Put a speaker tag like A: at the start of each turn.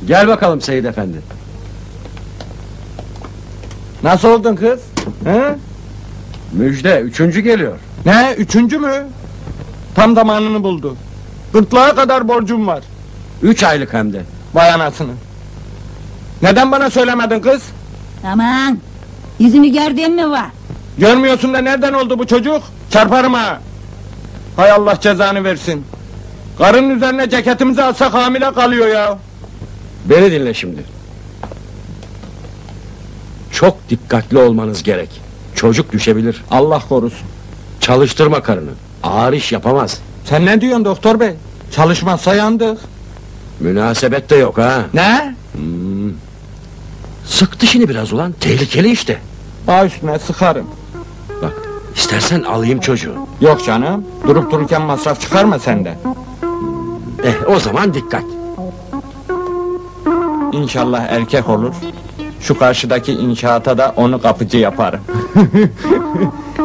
A: Gel bakalım Seyit Efendi.
B: Nasıl oldun kız? He?
A: Müjde, üçüncü geliyor.
B: Ne, üçüncü mü? Tam zamanını buldu. Gırtlağa kadar borcum var.
A: 3 aylık hem de.
B: Vay anasını. Neden bana söylemedin kız?
C: Aman! Yüzünü gördüğün mü var?
B: Görmüyorsun da nereden oldu bu çocuk? Çarparım ha! Hay Allah cezanı versin. Karının üzerine ceketimizi alsak hamile kalıyor ya.
A: Beni dinle şimdi. Çok dikkatli olmanız gerek. Çocuk düşebilir.
B: Allah korusun.
A: Çalıştırma karını. Ağır iş yapamaz.
B: Sen ne diyorsun doktor bey? Çalışmazsa yandık.
A: Münasebet de yok ha.
B: Ne?
A: Sık dişini biraz ulan. Tehlikeli işte.
B: Bağ üstüne sıkarım.
A: Bak, istersen alayım çocuğu.
B: Yok canım. Durup dururken masraf çıkarma sende.
A: O zaman dikkat.
B: İnşallah erkek olur. Şu karşıdaki inşaata da onu kapıcı yaparım.